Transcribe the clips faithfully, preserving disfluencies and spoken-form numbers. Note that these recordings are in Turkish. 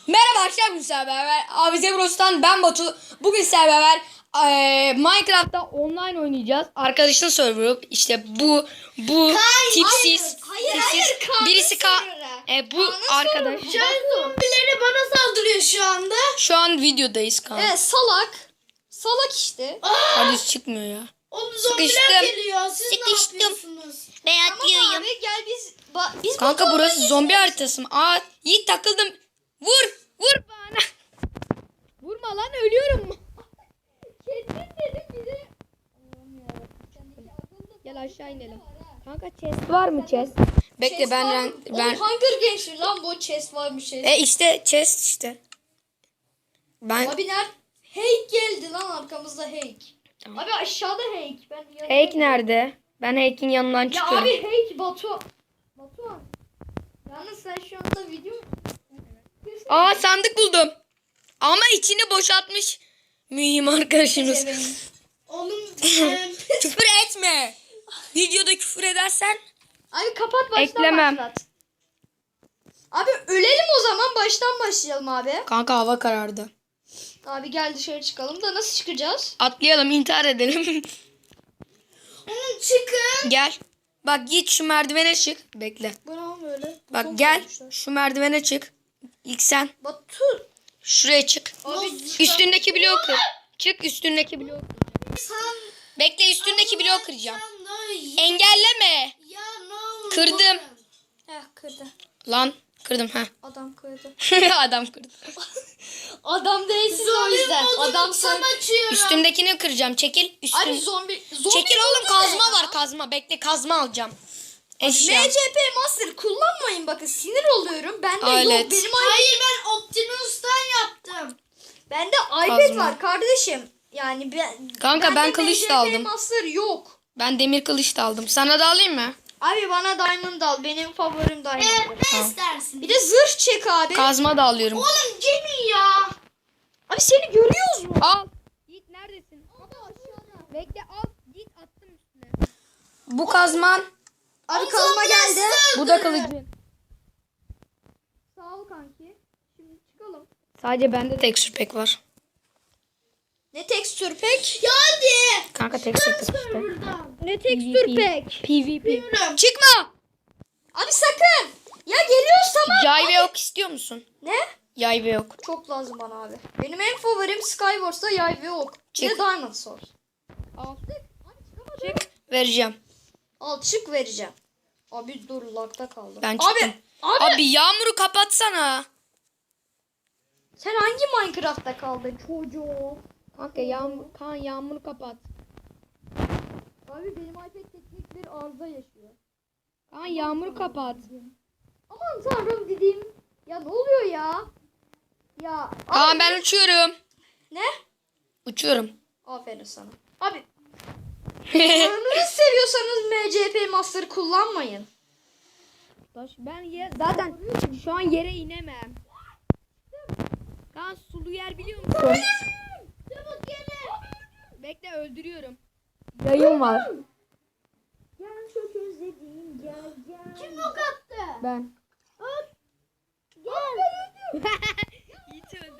Merhaba arkadaşlar, bugün sizlerle beraber Avize Bros'tan ben Batu. Bugün sizlerle beraber e, Minecraft'ta online oynayacağız. Arkadaşın serverı işte bu bu Hayır, tipsiz hayır, tipsiz. hayır, Kaan'ın birisi ka serverı. e, bu arkadaş. Can zombileri bana saldırıyor şu anda. Şu an videodayız Kaan. Evet, salak. Salak işte. Hadi çıkmıyor ya. Oğlum zombiler Sıkıştım. geliyor. Siz Sıkıştım. ne yapıyorsunuz? Ben Tamam abi gel biz ba biz Kanka Batu'yla burası geçelim. zombi haritası mı? Aa, Yiğit takıldım. Vur vur bana. Vurma lan, ölüyorum. Kendin dedim bize. Gel aşağı inelim. Kanka chest var mı chest? Bekle Chest ben var ben, mı? ben Oğlum Hunger Games'in lan bu chest var bir şey. E işte chest işte. Ben Abi nerede? Heyk geldi lan arkamızda Heyk. Tamam. Abi aşağıda Heyk. Ben yanına- Heyk nerede? Ben Heyk'in yanından Ya çıkıyorum. abi Heyk Batu. Batu. Yalnız sen şu anda video Aa, sandık buldum. Ama içini boşaltmış mühim arkadaşımız. Oğlum Küfür etme. Videoda küfür edersen abi kapat baştan Eklemem. başlat. Abi ölelim o zaman baştan başlayalım abi. kanka hava karardı. Abi gel dışarı çıkalım da nasıl çıkacağız? Atlayalım, intihar edelim. Çıkın. Gel. Bak git şu merdivene çık. Bekle. Bu ne böyle? Bak Çok gel koymuşlar. şu merdivene çık. İlk sen Batu. şuraya çık. Abi Üstündeki bloğu kır. Çık üstündeki bloğu. sen Bekle, üstündeki bloğu kıracağım. Ya Engelleme. ne olur. Kırdım. Heh kırdı. Lan kırdım ha. Adam kırdı. Adam kırdı. Adam değilsin o yüzden. Adam sen. Üstümdekini kıracağım. Çekil. Üstün. Abi zombi. zombi Çekil oğlum, burada kazma ne ya? var, kazma. Bekle, kazma alacağım. Eşya. M C P Master kullanmayın, bakın sinir oluyorum. Bende Alet. yok. Benim Hayır ben Optimus'tan yaptım. Bende iPad Kazma. var kardeşim. Yani ben Kanka, ben bende kılıç da M C P aldım. Master yok. Ben demir kılıç da aldım. Sana da alayım mı? Abi bana Diamond al. Benim favorim Diamond. Ne Tamam. istersin? Bir de zırh çek abi. Kazma da alıyorum. Oğlum Cemil ya. Abi seni görüyoruz mu? Al. Git neredesin? Bekle, al. Git, attım üstüne. Bu kazman. Abi kazma geldi. Bu da kılıcın. Sağ ol kanki. Şimdi çıkalım. Sadece bende tekstür pek var. Ne tekstür pek? Ya hadi. Kanka tekstür pek işte. Buradan. Ne tekstür pek? PvP. Çıkma. Abi sakın. Ya geliyoruz tamam. Yay ve ok istiyor musun? Ne? Yay ve ok. Çok lazım bana abi. Benim en favorim Skywars'ta yay ve ok. Bir de Çık. Diamond Sword. Al. Çık. Vereceğim. Al çık vereceğim. Abi dur lagda kaldım. Ben çıktım. Abi, abi, Abi yağmuru kapatsana. sen hangi Minecraft'ta kaldın çocuğum? Kanka yağmur, kan yağmuru kapat. Abi benim iPad teknik bir arıza yaşıyor. Kan yağmuru kapat. Aman tanrım dediğim. Ya ne oluyor ya? Ya. Kaan abi- ben uçuyorum. Ne? Uçuyorum. Aferin sana. Abi. Canınızı seviyorsanız M C P Master kullanmayın. Ben ye zaten şu an yere inemem. Kaan sulu yer biliyor musun? Çabuk gelin. Bekle, öldürüyorum. Yayın var. Gel çok özledim gel gel. Kim ok attı? Ben. Gel. Yiğit öldü.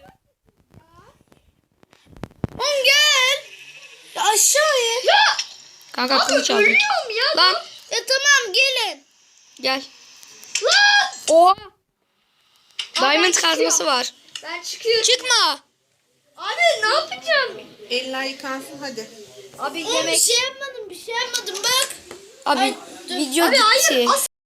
Oğlum gel. Ya aşağıya. Ya. Kanka Abi kılıç aldım. ölüyorum ya. Lan Ya tamam gelin. gel. Lan. Oha. ben Diamond çıkıyorum. kazması var. Ben çıkıyorum. Çıkma. Abi ne yapacağım? Eller yıkansın hadi. Abi Oğlum yemek. bir şey yapmadım bir şey yapmadım bak. Abi video Abi hayır gitti. asıl